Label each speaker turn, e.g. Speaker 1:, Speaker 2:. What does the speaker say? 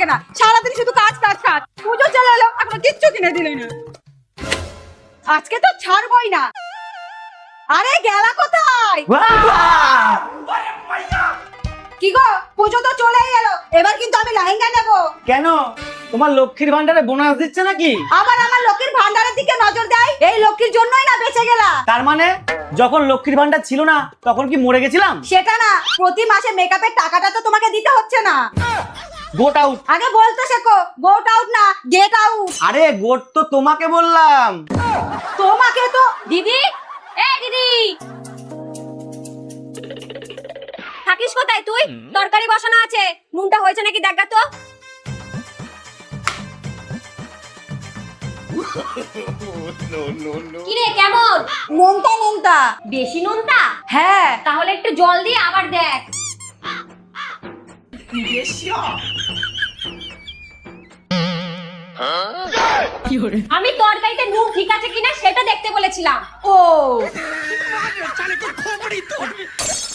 Speaker 1: লাগে না, সারাদিন শুধু কাজ কাজ কাজ। পুজো চলে এলো, এখনো কিচ্ছু কিনে দিলে না। আজকে তো ছাড়বই না। আরে গেলা কোথায়? কি গো, পুজো তো চলেই এলো, এবার কিন্তু আমি লেহেঙ্গা নেবো।
Speaker 2: কেন, তোমার লক্ষ্মীর ভান্ডারে বোনাস দিচ্ছে নাকি?
Speaker 1: আবার আমার লক্ষ্মীর ভান্ডারের দিকে নজর দেয়, এই লক্ষ্মীর জন্যই না বেঁচে গেলা।
Speaker 2: তার মানে যখন লক্ষ্মীর ভান্ডার ছিল না তখন কি মরে গেছিলাম?
Speaker 1: সেটা না, প্রতি মাসে মেকআপের টাকাটা তো তোমাকে দিতে হচ্ছে না।
Speaker 2: Goat out.
Speaker 1: আগে বলতে শেখো, গোট আউট না গেট আউট।
Speaker 2: আরে গোট তো তোমাকে বললাম।
Speaker 1: তোমাকে তো।
Speaker 3: দিদি, এই দিদি, থাকিস কোথায় তুই? তরকারি বসানো আছে, নুনটা হয়েছে নাকি দেখা তো। কিরে কেমন?
Speaker 1: নোনতা নোনতা।
Speaker 3: বেশি নুনটা?
Speaker 1: হ্যাঁ।
Speaker 3: তাহলে একটু জল দিয়ে আবার দেখ। আমি তরকারিতে নুন ঠিক আছে কিনা সেটা দেখতে বলেছিলাম।
Speaker 1: ও